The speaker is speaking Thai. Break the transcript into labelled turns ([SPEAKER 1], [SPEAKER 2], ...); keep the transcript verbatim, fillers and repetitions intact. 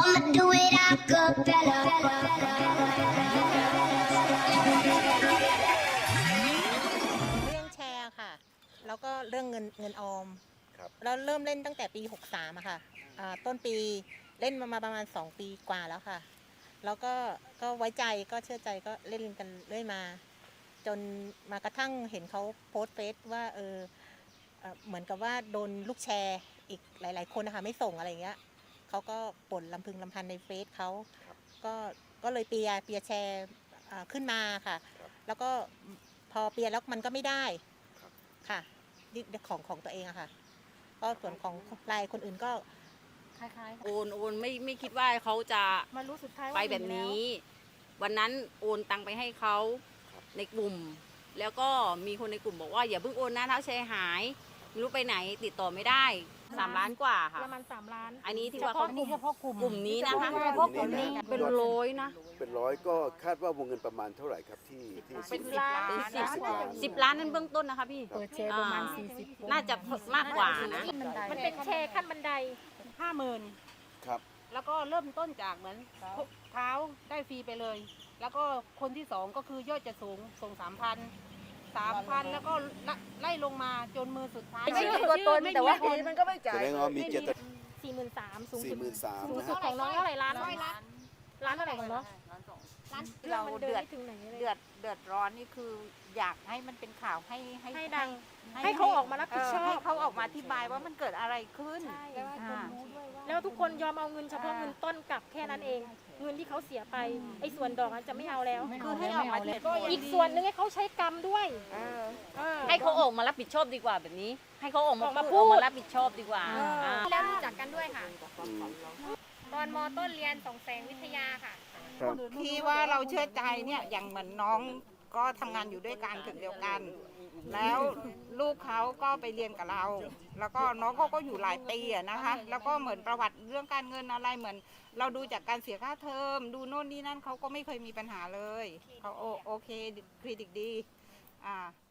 [SPEAKER 1] I'ma do it a cappella.
[SPEAKER 2] เรื่องแชร์ค่ะแล้วก็เรื่องเงินเงินออม
[SPEAKER 3] ครับ
[SPEAKER 2] แล้วเริ่มเล่นตั้งแต่ปีหกสามอะค่ะอ่าต้นปีเล่นมามาประมาณสองปีกว่าแล้วค่ะแล้วก็ก็ไว้ใจก็เชื่อใจก็เล่นกันเรื่อยมา จนมากระทั่งเห็นเขาโพสต์เฟซว่าเออเอ่อเหมือนกับว่าโดนลูกแชร์อีกหลาย ๆ คนนะคะไม่ส่งอะไรอย่างเงี้ยเขาก็บ่นลำพึงลำพันในเฟซเขา
[SPEAKER 3] ครับ
[SPEAKER 2] ก็ก็เลยเปียร์เปียร์แชร์อ่าขึ้นมาค่ะ
[SPEAKER 3] ครับ
[SPEAKER 2] แล้วก็พอเปียร์แล้วมันก็ไม่ได้
[SPEAKER 3] ครับ
[SPEAKER 2] ค่ะนี่ของของตัวเองอะค่ะ ก็ส่วนของรายคนอื่นก็
[SPEAKER 4] คล้าย
[SPEAKER 5] โอนโอนไม่ไม่คิดว่าเขาจะ
[SPEAKER 4] ๆมารู้สุดท้ายว่า
[SPEAKER 5] ไปแบบนี้ วันนั้นโอนตังไปให้เขาในกลุ่ม แล้วก็มีคนในกลุ่มบอกว่าอย่าเพิ่งโอนนะถ้าแชร์หายไม่รู้ไปไหนติดต่อไม่ได้สามล้านกว่าค่ะ
[SPEAKER 4] ประมาณสามล้าน
[SPEAKER 5] อันนี้ที่ว่าเขา
[SPEAKER 4] เฉพาะกลุ่ม
[SPEAKER 5] กลุ่มนี้นะคะ
[SPEAKER 4] เฉพาะกลุ่มนี้
[SPEAKER 5] เป็นร้อยนะ
[SPEAKER 3] เป็นร้อยก็คาดว่าวงเงินประมาณเท่าไหร่ครับที่ที่
[SPEAKER 4] เป็น
[SPEAKER 3] สิบ
[SPEAKER 4] ล้าน
[SPEAKER 5] เป็นสิบ
[SPEAKER 3] สิบล้าน
[SPEAKER 5] สิบล้านนั่นเบื้องต้นนะคะพี่
[SPEAKER 4] เปิดแชร์ประมาณสี่สิบ
[SPEAKER 5] น่าจะมากกว่านะ
[SPEAKER 4] มันเป็นแชร์ขั้นบันได
[SPEAKER 6] ห้าหมื่น
[SPEAKER 3] ครับ
[SPEAKER 6] แล้วก็เริ่มต้นจากเหมือนเท้าได้ฟรีไปเลย แล้วก็คนที่สองก็คือยอดจะสูงส่งสามพันสามพันแล้วก็ไล่ลงมาจนมือสุดท้าย
[SPEAKER 4] ไม่มีตัวตนแต่ว่า
[SPEAKER 6] มันก็ไม่
[SPEAKER 3] แสดงว่ามีเจต
[SPEAKER 4] สี่หมื่นสามสูง
[SPEAKER 3] สี่
[SPEAKER 4] สุด
[SPEAKER 3] หมื่นสาม
[SPEAKER 4] สูง
[SPEAKER 3] นะ
[SPEAKER 4] สุด
[SPEAKER 3] ฮะ
[SPEAKER 4] ของน้องเท่าไหร่ล้านล้านเท่าไหร่ของน้อง
[SPEAKER 7] เราเดือด
[SPEAKER 4] ถึงไหนเลย
[SPEAKER 7] เดือดเดือดร้อนนี่คืออยากให้มันเป็นข่าวให้ให้
[SPEAKER 4] ให้ดัง ให้เขาออกมารับผิดชอบ
[SPEAKER 7] เให้เขาออกมาอธิบายว่ามันเกิดอะไรขึ้น
[SPEAKER 4] ใช่
[SPEAKER 7] อ่า
[SPEAKER 4] แล้วทุกคนยอมเอาเงินเฉพาะเงินต้นกลับแค่นั้นเอง เงินที่เขาเสียไปไอ้ส่วนดอกนั้นจะไม่เอาแล้ว
[SPEAKER 7] คือให้ออกมาเถิด
[SPEAKER 4] อีกส่วนหนึงให้เขาใช้กรรมด้วย
[SPEAKER 7] เออ
[SPEAKER 4] เออ
[SPEAKER 5] ให้เขาออกมารับผิดชอบดีกว่าแบบนี้ ให้เขาออกมา
[SPEAKER 4] ออกมา
[SPEAKER 5] พูด
[SPEAKER 4] พูด
[SPEAKER 5] ออกมารับผิดชอบดีกว่า
[SPEAKER 4] เออ
[SPEAKER 5] อ่า
[SPEAKER 4] แล้วรู้จักกันด้วยค่ะ
[SPEAKER 3] อืม
[SPEAKER 4] ตอนมต้นเรียนสองแสงวิทยาค่ะ
[SPEAKER 3] ครับ
[SPEAKER 7] ที่ว่าเราเชื่อใจเนี่ยอย่างเหมือนน้องก็ทำงานอยู่ด้วยกันถึงเดียวกัน แล้วลูกเขาก็ไปเรียนกับเรา แล้วก็น้องเขาก็อยู่หลายปีอะนะคะ แล้วก็เหมือนประวัติเรื่องการเงินอะไรเหมือน เราดูจากการเสียค่าเทอมดูโน่นนี่นั่นเขาก็ไม่เคยมีปัญหาเลยเขาโอโอเคเครดิตดีอ่า